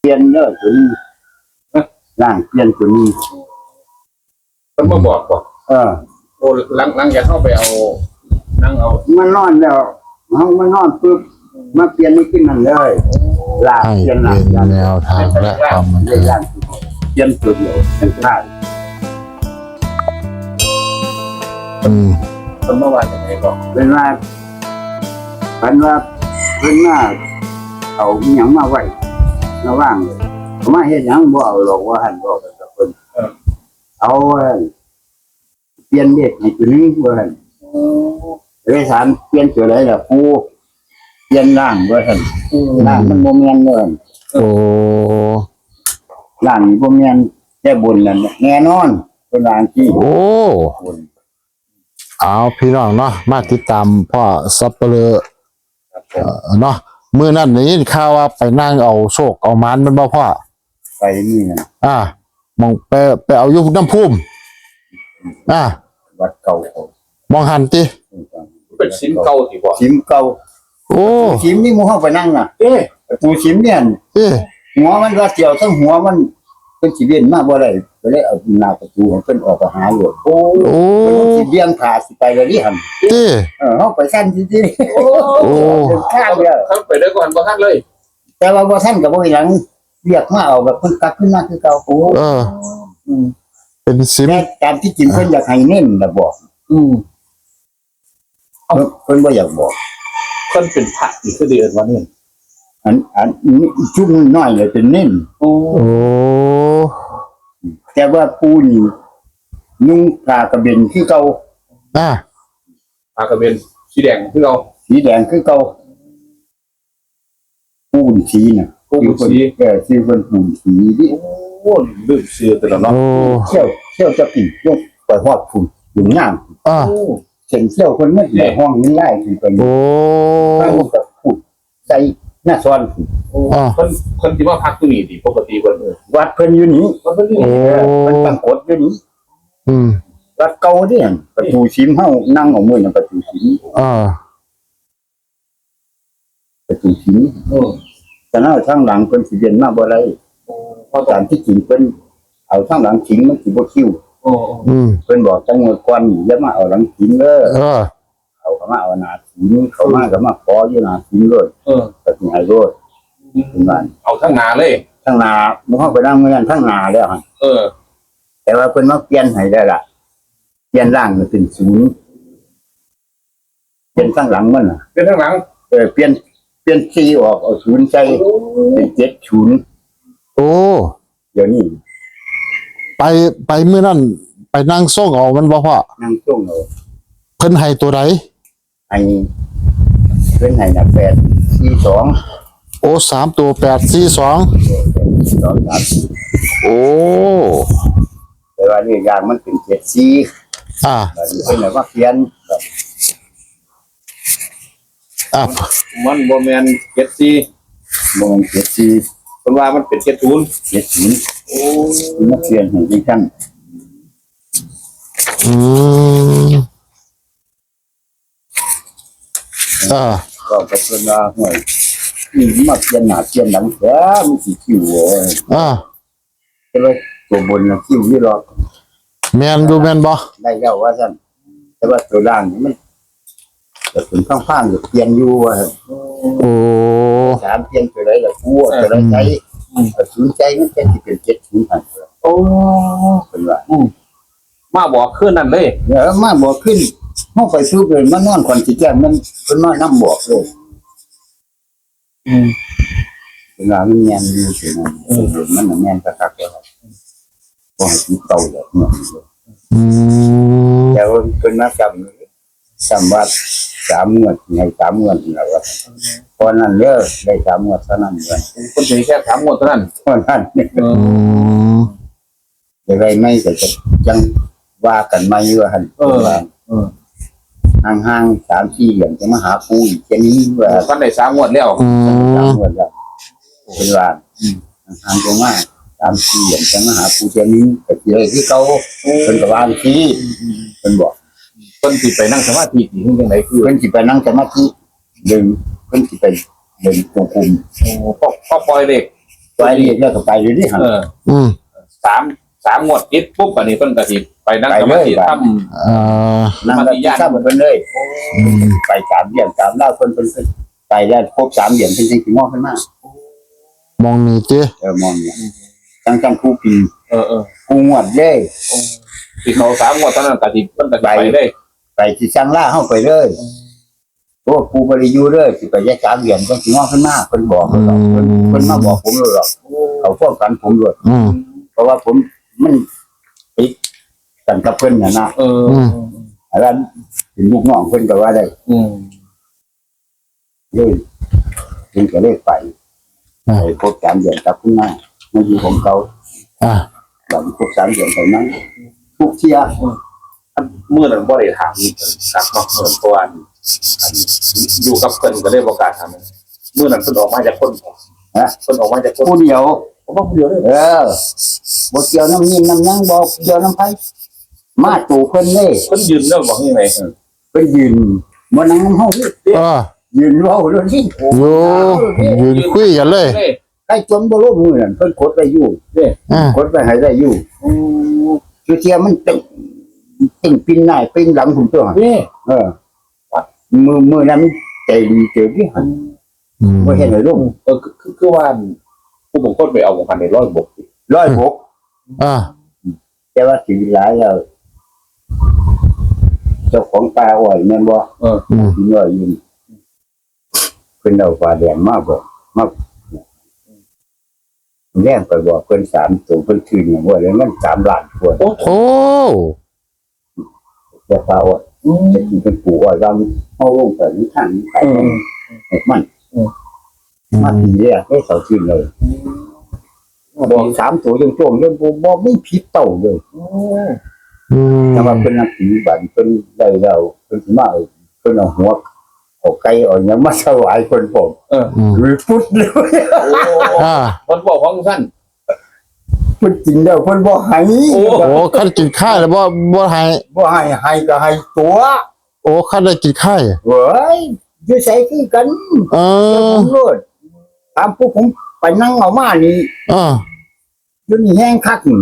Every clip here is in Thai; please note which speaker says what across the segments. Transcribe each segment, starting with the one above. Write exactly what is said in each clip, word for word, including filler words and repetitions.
Speaker 1: เปลี่ยนเนอะตัวนี้ร่างเปลี่ยนตัวนี้
Speaker 2: มันมาบอกบอก
Speaker 1: เออ
Speaker 2: โอ้หลังหลังจากเข้าไปเอานั่งเอา
Speaker 1: มันนอนแล้วห้องมันนอนปุ๊บมาเปลี่ยนนี่ขึ้นนั่นเลยลาก
Speaker 3: ให้
Speaker 1: เปลี่ยน
Speaker 3: เป็นแนวทางและความบันเทิง
Speaker 1: เปลี่ยนตัวเดียวเป็นท่า
Speaker 3: อืม
Speaker 2: คนเมื่อวานยังไงบอก
Speaker 1: เป็นว่าเป็นว่าเป็นว่าเอาอหยังมาไว้ระว่างเลยเอามาเฮ็ดหยังบ่เอาหรอกว่าหั่นบอกกับเพิ่นเอาเปลี่ยนเด็กให้ตัวนึงว่าหั่นเลยถามเปลี่ยนตัวใดล่ะครูเปลี่ยนร่างว่าหั่นร่างมันบ่แม่นเด้อ
Speaker 3: โอ้
Speaker 1: ร่างนี่บ่แม่นแต่บนนั่นแน่นอนเป็นร่างที่
Speaker 3: โอ้
Speaker 1: บน
Speaker 3: เอาพี่น้องเนาะมาติดตามพ่อซับเปลือ
Speaker 1: ครับผ
Speaker 3: เอ่
Speaker 1: ม
Speaker 3: อเนาะมื้อนั้นได้ยินข่าวว่าไปนั่งเอาโชคเอาหมานมันบ่พ่อ
Speaker 1: ไปนี่นะ
Speaker 3: อ่ามองไปไปเอาอยู่น้ำพุ่มอ่า
Speaker 1: วัดเก่าเขา
Speaker 3: มองหันติ
Speaker 2: เป็นสินเก่าที่บอก
Speaker 1: ชิมเก่า
Speaker 3: โอ้
Speaker 1: ชิมนี่หมู่เฮาไปนั่งน่ะ
Speaker 2: เอ๊ะ
Speaker 1: ปูชิมเนี่ย
Speaker 3: เอ๊ะ
Speaker 1: หัวมันว่าเจียวทั้งหัวมันเป็นสิเวียนมาบ่ได้ก็เลยเอาหน้าประตูให้เพิ่นออกไปหาโลดโอ้
Speaker 3: โอ้
Speaker 1: เพิ่นสิเลี้ยงผาสิไปเลยนี่หั่น
Speaker 3: ติ
Speaker 1: เออเฮาไปซั่นจริง
Speaker 2: โอ้
Speaker 3: โอ้
Speaker 1: ๆเป็นข้างเดียว
Speaker 2: เขาไปได้ก่อนบ่ทันเลย
Speaker 1: แต่ว่าบ่ซั่นก็บ่มีหยังเรียกมาเอาแบบเพิ่นกลับขึ้นมาคือเก่าโอ้
Speaker 3: เออ
Speaker 1: อืม
Speaker 3: เป็นสิม
Speaker 1: แต่ตามที่จริงเพิ่นอยากให้เน้นน่ะบอก
Speaker 2: อืม
Speaker 1: เพิ่นเพิ่นบ่อยากบอก
Speaker 2: คนเป็นพระอีกคือเดือนวันนี้
Speaker 1: อันอันนี้ชุบน้อยเลยเป็นเน้น
Speaker 2: โอ้
Speaker 3: โอ้
Speaker 1: แต่ว่าปูนี่นุ่งผ้ากระเบนคือเก่า
Speaker 3: อ่า
Speaker 2: ปากกระเบนสีแดงคือเรา
Speaker 1: สีแดงคือเก่าปูนสีน่ะ
Speaker 2: ปูนสี
Speaker 1: เออชื่อเพิ่นปูนสีนี่
Speaker 2: โอ้ลืมเสื้อตัวแล้วเนาะ
Speaker 3: โอ้
Speaker 1: เที่ยวเที่ยวจะปียกไปฮอดพุ่นอยู่งาม
Speaker 3: อ่า
Speaker 2: โอ้
Speaker 1: เส้นเที่ยวคนมันในห้องนี้ไล่ขึ้นไป
Speaker 3: โอ้
Speaker 1: ข้างกับพูดใส่หน้าซ้อนพุ่น
Speaker 2: โอ้คนคนที่ว่าพักตัวนี้ดิปกติวันเออ
Speaker 1: วัดเพิ่นอยู่นี่
Speaker 2: มันเป็น
Speaker 3: โอ้
Speaker 1: มันตั้งกฎอยู่นี่
Speaker 3: อืม
Speaker 1: วัดเก่าเด้หั่นประตูชิมเฮานั่งเอามือนั่นประตูชิม
Speaker 3: อ่า
Speaker 1: ประตูชิม
Speaker 2: เออ
Speaker 1: แต่หน้าทางหลังเพิ่นสิเรียนมาบ่ได้ เพราะตามที่จริงเพิ่นเอาทางหลังชิงมันสิบ่คิว
Speaker 2: โอ้
Speaker 3: อืม
Speaker 1: เพิ่นบอกจังหวดก่อนอย่ามาเอาหลังชิงเด้อ
Speaker 3: เออ
Speaker 1: เขาก็มาเอาหน้าชิงเขามาก็มาขออยู่หน้าชิงเลย
Speaker 2: เออ
Speaker 1: ก็สิให้โลดเป็นว่า
Speaker 2: เอาทั้งนาเลย
Speaker 1: ทางหน้าบ่เฮาไปนั่งมื้อนั้นทางหน้าแล้วหั่น
Speaker 2: เออ
Speaker 1: แต่ว่าเพิ่นมาเปลี่ยนให้ได้ล่ะเปลี่ยนร่างมันเป็นศูนย์เปลี่ยนทางหลังมันน่ะ
Speaker 2: เป็นทั้งหลัง
Speaker 1: เออเปลี่ยนเปลี่ยนสี่ออกเอาศูนย์ใส่เป็นเจ็ดศูนย์
Speaker 3: โอ้
Speaker 1: เดี๋ยวนี้
Speaker 3: ไปไปมื้อนั้นไปนั่งส่งเอามันบ่พ่อ
Speaker 1: นั่งช่วงเอา
Speaker 3: เพิ่นให้ตัวใด
Speaker 1: ให้เพิ่นให้น่ะแปดสี่สอง
Speaker 3: โอ้สามตัวแปดสี่สอง
Speaker 1: สองสาม
Speaker 3: โอ้
Speaker 1: แต่ว่านี่อย่างมันเป็นเจ็ดสี่
Speaker 3: อ่า
Speaker 1: แบบนี้เป็นแบบว่าเขียนแบบ
Speaker 3: อ่า
Speaker 2: มันบ่แมนเจ็ดสี่
Speaker 1: มองเจ็ดสี่
Speaker 2: คนว่ามันเป็นเจ็ดศูนย์
Speaker 1: เจ็ดศูนย์
Speaker 2: โอ้
Speaker 1: นักเรียนเห็นที่ขั้น
Speaker 3: อืมอ่า
Speaker 1: ก็กระเพื่อนว่าห่วยนี่มาเขียนหน้าเขียนหลังแท้มันสิคิวโอ้ย
Speaker 3: อ่า
Speaker 1: แต่ว่าตัวบนน่ะคิวนี่หรอก
Speaker 3: แมนดูแมนบ่
Speaker 1: ได้แล้วว่าซั่นแต่ว่าตัวล่างนี่มันจะถึงข้างๆอยู่เปลี่ยนอยู่ว่าซั่น
Speaker 3: โอ้
Speaker 1: สามเปลี่ยนตัวใดละกูตัวใดใจศูนย์ใจมันจะสิเป็นเจ็ดศูนย์พัน
Speaker 2: โอ้
Speaker 1: เป็นว่า
Speaker 2: มาบอกขึ้นนั่นเลย
Speaker 1: เดี๋ยวมาบอกขึ้นห้องไปซื้อเลยมานอนก่อนสิแจ้งมันเพิ่นมานํบอกเลย
Speaker 2: อืม
Speaker 1: เวลามันแม่นอยู่สินะเออมันน่ะแม่นคักๆแล้วบ่ให้ติดเต่าเลยเนาะ
Speaker 3: อืม
Speaker 1: แต่ว่าเพิ่นมาจำจำว่าสามงวดให้สามงวดนี่ล่ะว่าเพราะนั้นเด้อได้สามงวดเท่านั้นเด้อ
Speaker 2: คนถึงแค่สามงวดเท่านั้น
Speaker 1: เพราะนั้น
Speaker 2: เออ
Speaker 3: อืม
Speaker 1: จะได้ไม่ก็จะจังว่ากันใหม่ว่าหั่น
Speaker 2: เออ
Speaker 1: ว่า
Speaker 2: เออ
Speaker 1: ห่างๆสามสี่เดือนจะมาหาปูอีกแค่นี้ว่า
Speaker 2: ท่านได้สามงวดแล้ว
Speaker 3: อื
Speaker 1: สาม
Speaker 3: ม
Speaker 1: งวดแล้วเป็นว่าห่างๆตรงมาสามสี่เดือนจะมาหาปูแค่นี้ก็สิได้คือเก่าเพิ่นก็ว่าสิเพิ่นบอก
Speaker 2: คนที่ไปนั่งสมาธิที่จังไดคือ
Speaker 1: เพิ่นสิไปนั่งสมาธิดึงเพิ่นสิไปเดินจงกรม
Speaker 2: โอ้พ่อพ่อปล่อยเด็ก
Speaker 1: ไปไปเรียกแล้วก็ไปอยู่นี่หั่น
Speaker 2: เออ
Speaker 3: อืม
Speaker 2: สามสามงวดติดปุ๊บอันนี้เพิ่นก็สิไปนั่งสมาธิทำ
Speaker 3: เอ่อ
Speaker 1: นั่งรับที่ทราบเพิ่นเลย
Speaker 3: อืม
Speaker 1: ไปสามเดือนสามเล่าเพิ่นเพิ่นเพิ่นไปได้ครบสามเดือนเพิ่นสิสิมองขึ้นมาม
Speaker 3: องนี่ติ
Speaker 1: เออมองเนี่ยจังจังครูปี
Speaker 2: เออเออ
Speaker 1: ครูงวดเลย
Speaker 2: ที่เขาสามงวดตอนนั้นก็สิเพิ่นก็สิไปเลย
Speaker 1: ไปที่สั่งล่าเฮาไปเลยโอ้ครูบ่ได้อยู่เลยสิไปแยกสามเดือนเพิ่นสิมองขึ้นมาเพิ่นบอกเพิ่นบอกเพิ่นเพิ่นมาบอกผมเลยหรอกเขาฟ้องกันผมด้วย
Speaker 3: อืม
Speaker 1: เพราะว่าผมมันติดกันกับเพิ่นน่ะนะ
Speaker 2: เออ
Speaker 1: อันนั้นเป็นลูกน้องเพิ่นก็ว่าได้
Speaker 2: อืม
Speaker 1: เลยเพิ่นก็เลยไปไปครบสามเดือนกลับขึ้นมามันอยู่ของเขา
Speaker 3: อ่ะ
Speaker 1: หลังครบสามเดือนไปนั้นทุกเที่ย
Speaker 2: เมื่อนั้นบ่ได้ถามกับนอกเมืองเพราะว่าอยู่กับเพิ่นก็เลยบ่กล้าถามเมื่อนั้นเพิ่นออกมาจากคน
Speaker 1: ฮะ
Speaker 2: เพิ่นออกมาจากคน
Speaker 1: ผู้เดียว
Speaker 2: ผมว่าผู้เดียวเลย
Speaker 1: เออบ่เกี่ยวน้ำยินน้ำยังบ่เกี่ยวน้ำไผมาตู่เพิ่นเลย
Speaker 2: เพิ่นยืนเรื่องบอกยังไง
Speaker 1: เพิ่นยืนบ่นั่งน้ำเฮา
Speaker 3: เออ
Speaker 1: ยืนเว้าเลยนี่
Speaker 3: อยู่ยืนคุยกันเลย
Speaker 1: ใครจนบ่ลงมือนั่นเพิ่นกดไว้อยู่
Speaker 3: อ่าก
Speaker 1: ดไว้ให้ได้อยู่คือเที่ยมันตึงตึงปีนหน้าปีนหลังผมตัว
Speaker 2: นี่
Speaker 1: เออมือมือนั้นใจดีเจอที่หัน
Speaker 3: อืม
Speaker 1: บ่เห็นเลยลูก
Speaker 2: เออคือคือว่าผู้บงคนไปเอาของพันในร้อยบก
Speaker 1: ร้อยหก
Speaker 3: อ่า
Speaker 1: แต่ว่าสีหลายแล้วเจ้าของปลาอ้อยแม่นบ่
Speaker 2: เออ
Speaker 3: อืม
Speaker 1: กินอ้อยอยู่เพิ่นเอาปลาแดงมาบ่มาแรงไปบอกเพิ่นสามตัวเพิ่นคืนอย่างว่าแล้วมันสามล้านกว่า
Speaker 2: โอ้
Speaker 3: โอ้
Speaker 1: แต่ปลาอ้อยจะกินเป็นปูอ้อยว่ามันเอาลงไปในทางนี้ไปมันมันดีเลยได้เสาชื่นเลยบอกสามตัวโจงๆเลยบ่ไม่ผิดเต่าเลย
Speaker 3: อืม
Speaker 1: แต่ว่าเป็นนักปฏิบัติเป็นได้แล้วเป็นสิมาเอาเป็นเอาหัวเอาไก่เอาหยังมาถวายคนผม
Speaker 2: เออ
Speaker 3: อืม
Speaker 1: หรือพุทธเลย
Speaker 3: อ่า
Speaker 2: คนบอกของสั้น
Speaker 1: เพิ่นกินแล้วเพิ่นบ่ให้
Speaker 2: โอ้
Speaker 3: โอ้คันกินข้าวแล้วบ่บ่ให้
Speaker 1: บ่ให้ให้ก็ให้ตัว
Speaker 3: โอ้คันได้กินข้าว
Speaker 1: เว้ยอยู่ไสคือกัน
Speaker 3: เอ
Speaker 1: เจ้า
Speaker 3: อ
Speaker 1: ผมโลดตามผู้ผมไปนั่งเอามานี่
Speaker 3: อ่า
Speaker 1: อยู่นี่แห้งคักนี่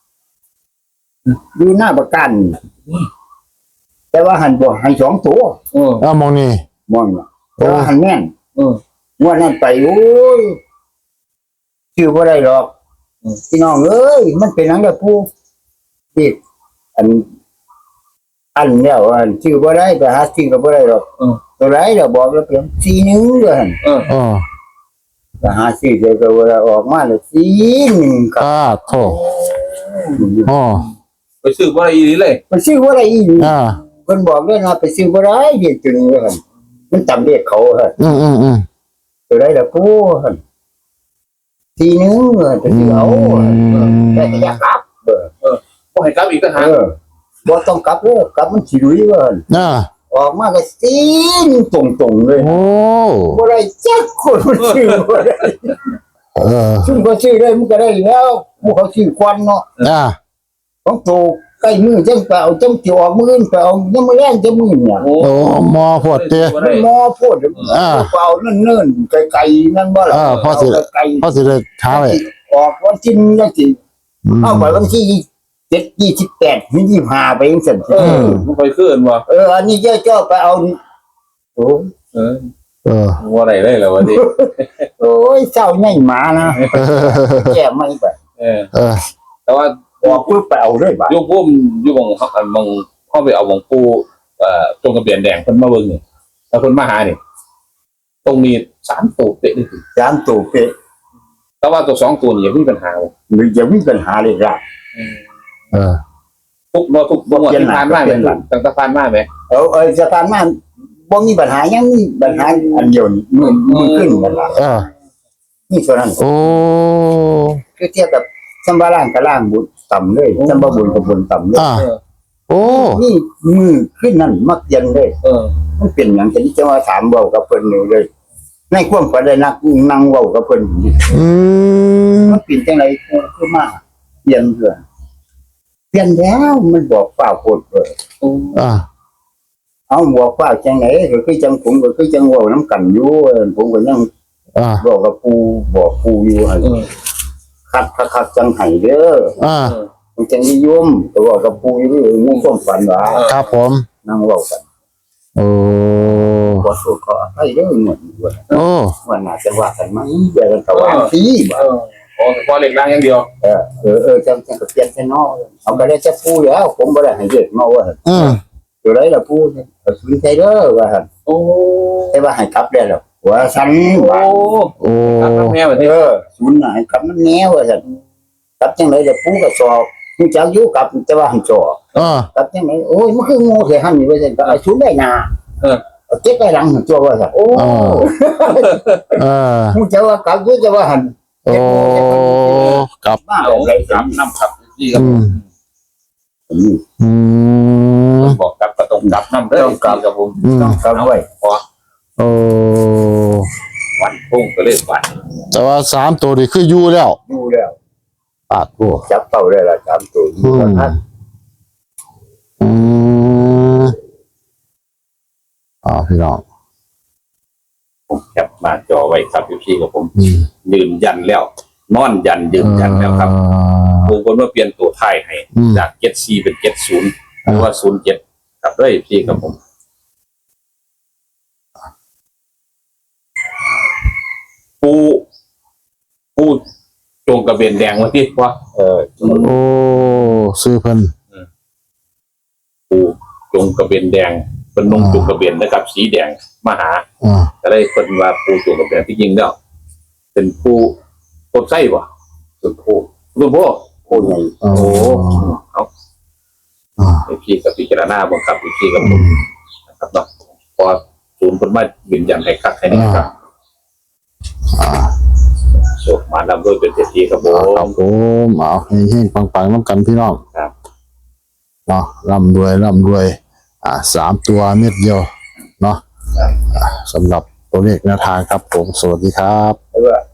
Speaker 1: อยู่หน้าประกันแต่ว่าหันบ่ให้สองตัว
Speaker 2: เออ
Speaker 3: เอามองนี่
Speaker 1: มองน่ะแต่ว่าหันแม่น
Speaker 2: เออ
Speaker 1: งวดนั้นไปโอ้ยชื่อบ่ได้หรอก
Speaker 2: อืม
Speaker 1: พี่น้องเอ้ยมันเป็นหยังกับผู้ที่อัน อันแล้วอันชื่อบ่ได้ไปหาชื่อก็บ่ได้หรอก
Speaker 2: เออ
Speaker 1: ตัวไรเราบอกแล้วเพียงสีหนึงเด้อหั่น
Speaker 2: เออ
Speaker 3: อ่า
Speaker 1: ไปหาชื่อเดี๋ยวก็บ่ได้ออกมาแล้วสีหนึงครับ
Speaker 3: อ่าโถอ๋อ
Speaker 2: ไปซื้อบ่ได้อีหลีเลย
Speaker 1: มันชื่อบ่ได้อีหลี
Speaker 3: อ่า
Speaker 1: เพิ่นบอกเลยนะไปซื้อบ่ได้เด็กตัวนี้ว่าหั่นมันจำเลขเขาหั่น
Speaker 3: อืมอืมอืม
Speaker 1: ตัวไรล่ะผู้หั่นสีหนึงเออจะซื้อเอาหั่นเออแต่ก็อยากกลับเออ
Speaker 2: บ่ให้กลับอีกต่างหาก
Speaker 1: เออบ่ต้องกลับเด้อกลับมันสิรุยว่าหั่น
Speaker 3: อ่า
Speaker 1: ออกมาก็สีนตรงๆเลย
Speaker 3: โอ้
Speaker 1: บ่ได้จักคนมันชื่อบ่ได้
Speaker 3: เออ
Speaker 1: ซึ่งก็ชื่อได้มันก็ได้แล้วพวกเขาชื่อควันเนาะ
Speaker 3: อ่า
Speaker 1: ของโตใกล้มือจังไปเอาจังสิออกมืออื่นไปเอายังมาแรงจะมือเนี่ย
Speaker 2: โอ้
Speaker 3: โอ้หมอพวดเตี้ย
Speaker 2: บ่ได้
Speaker 1: หมอโพด
Speaker 3: อ่า
Speaker 1: เปล่าเนิ่นๆไกลๆนั่นบ่ล่ะ
Speaker 3: อ่าพอสิ
Speaker 1: ไกล
Speaker 3: เขาสิได้ท้าไว้
Speaker 1: ๆออกวันที่จังสิ
Speaker 3: อืม
Speaker 1: เอาไปวันที่เจ็ด ยี่สิบแปดถึงยี่สิบห้าไปจังซั่น
Speaker 2: เออมันไปขึ้นบ่
Speaker 1: เอออันนี้เจ้าๆไปเอานี่โอ้
Speaker 2: เออ
Speaker 3: เออ
Speaker 2: บ่ได้เลยแล้ววันนี้
Speaker 1: โอ้ยเศร้าใหญ่หมานะ
Speaker 3: เออ
Speaker 1: แก้ไม่ไป
Speaker 2: เออ
Speaker 3: เออ
Speaker 2: แต่ว่า
Speaker 1: ออกปึ๊บไปเอาเลยบาด
Speaker 2: อยู่พุ่มอยู่บงเฮาอันบงเฮาไปเอาบงปูเอ่อตรงกระเบียนแดงเพิ่นมาเบิ่งนี่แล้วเพิ่นมาหานี่ตรงนี้สามตัวเป๊ะนี่
Speaker 1: สามตัวเป๊ะ
Speaker 2: แต่ว่าตัวสองตัวนี่ยังมีปัญหาบ่
Speaker 1: มันจะมีปัญหาเลยล่ะ
Speaker 3: เออ
Speaker 2: ทุกบ่ทุกบ่ที่ผ่านมาแม่นตั้งแต่ผ่านมาแม่
Speaker 1: เอาเออสถานมาบ่มีปัญหายังมีปัญหาอันเดียวนี่มือมือขึ้นกันล่ะ
Speaker 3: เออ
Speaker 1: นี่เท่านั้น
Speaker 3: โอ้
Speaker 1: คือเทียบกับสัมบาร่างกับล่างบุญต่ำเลยสัมบาบุญกับบุญต่ำเลย
Speaker 3: อ่าโอ้
Speaker 1: นี่มือขึ้นนั่นมักเย็นเลย
Speaker 2: เออ
Speaker 1: มันเป็นอย่างที่จะมาถามเว้ากับเพิ่นนี่เลยในความฝันได้นักนั่งเว้ากับเพิ่นนี่
Speaker 3: อืม
Speaker 1: มันเป็นจังไดคือมาเปลี่ยนเพื่อนเปลี่ยนแล้วมันบอกฟ้าโคตรเลย
Speaker 3: อ่า
Speaker 1: เอาบอกฟ้าจังไหนก็คือจังผมก็คือจังเว้านํกันอยู่เออผมก็ยัง
Speaker 3: อ่า
Speaker 1: บอกกับปู่บอกปู่อยู่หั่น
Speaker 2: เออ
Speaker 1: คักคักคักจังไห้เด้อ
Speaker 3: อ่า
Speaker 1: มันจังนิยมแต่ว่ากับปูอยู่มุ่งความฝันว่า
Speaker 3: ครับผม
Speaker 1: นั่งเว้ากัน
Speaker 3: โอ้
Speaker 1: ขอสู้ขอให้เด้อหมดว่า
Speaker 3: โอ้
Speaker 1: ว่าน่าจะว่ากันมั้งอย่ากันตะวันสิบ่
Speaker 2: เออโอ้พอเหล็กล่างอย่างเดียว
Speaker 1: เออเออเออจังจังก็เปลี่ยนแค่นอเอาก็ได้จะปูแล้วผมบ่ได้ให้เด็กเนาะว่า
Speaker 3: อืม
Speaker 1: อยู่ได้ล่ะปูเอาสุนใจเด้อว่าหั่น
Speaker 2: โอ้
Speaker 1: แต่ว่าให้กลับได้แล้วว่าซั่น
Speaker 2: โอ้
Speaker 1: ว่า
Speaker 3: โอ้
Speaker 2: ครับแม่แบบ
Speaker 1: เอ
Speaker 2: นี้
Speaker 1: อสุนน่ะให้กลับมันแนวว่าซั่นกลับจังได๋จะปูก็สอบฮู้จักอยู่กลับแต่ว่าให้สอบ
Speaker 3: อ่าก
Speaker 1: ลับจังได๋โอ้ยมันคืองูแท้หั่นนี่ว่าซั่นก็เอาสุนได้หน้า
Speaker 2: เออ
Speaker 1: เอาเก็บไว้หลังตัวว่าซั่นโอ้
Speaker 3: อ่าอ่า
Speaker 1: ฮู้จักว่ากลับอยู่จะว่าหั่น
Speaker 3: โอ้กับ
Speaker 1: มา
Speaker 2: เอา
Speaker 1: แบบ
Speaker 2: สามน้ำครับพี่ครับ
Speaker 3: อืม
Speaker 1: อืม
Speaker 3: อืม
Speaker 2: บอกกับกระตรงกับน้ำเด้อครับผม
Speaker 3: อืม
Speaker 1: ต้องกลับไว้
Speaker 2: พอ
Speaker 3: โอ้
Speaker 2: วันพุ่งก็เลยวัน
Speaker 3: แต่ว่าสามตัวนี่คืออยู่แล้ว
Speaker 1: อยู่แล้ว
Speaker 3: ปาดโอ้
Speaker 1: จับเป้าได้ละสามตัวอยู่ว่าท่าน
Speaker 3: อืมอ่าพี่น้อง
Speaker 2: ผมแคปมาจอไว้ครับพี่กับผม
Speaker 3: อืม
Speaker 2: ยืนยันแล้วนอนยันยืนยันแล้วครับ
Speaker 3: อ่า
Speaker 2: บางคนว่าเปลี่ยนตัวท้ายให้
Speaker 3: อืม
Speaker 2: จากเจ็ดสี่เป็นเจ็ดศูนย์หรือว่าศูนย์เจ็ดครับด้วยพี่กับผม ปูปูจงกระเบนแดงวันที่ว่า
Speaker 1: เออ
Speaker 3: โอ้ซื้อเพิ่น
Speaker 2: ปูจงกระเบนแดงเป็นนงจงกระเบนนะครับ สีแดงมาหา
Speaker 3: อ่า
Speaker 2: ก็ได้คนว่าปูจงกระเบนที่จริงแล้วเป็นปูต้นไส้วะต้นโพต้นโพ
Speaker 1: โอ้ใหญ่
Speaker 3: โอ้
Speaker 2: เอา
Speaker 3: อ่า
Speaker 2: ไอพี่กับพี่จารณาบังคับไอพี่กับผ
Speaker 3: อื
Speaker 2: ม
Speaker 3: ม
Speaker 2: นะครับเนาะพอศูนย์คนมาบินยันให้คักให้นี่ครับ
Speaker 3: อ่า
Speaker 2: โชคมาลำด้วยเป็นเศรษฐีครับผ
Speaker 3: ครั
Speaker 2: ม
Speaker 3: บผมเอาให้เฮงๆปังๆน้ำกันพี่น้อง
Speaker 2: ครับ
Speaker 3: เนาะร่ำรวยร่ำรวย อ่าสามตัวเม็ดเดียวเนาะอ่าสำหรับตัวเลขแนวทางครับผม สวัสดีครับ
Speaker 1: แต่ว่า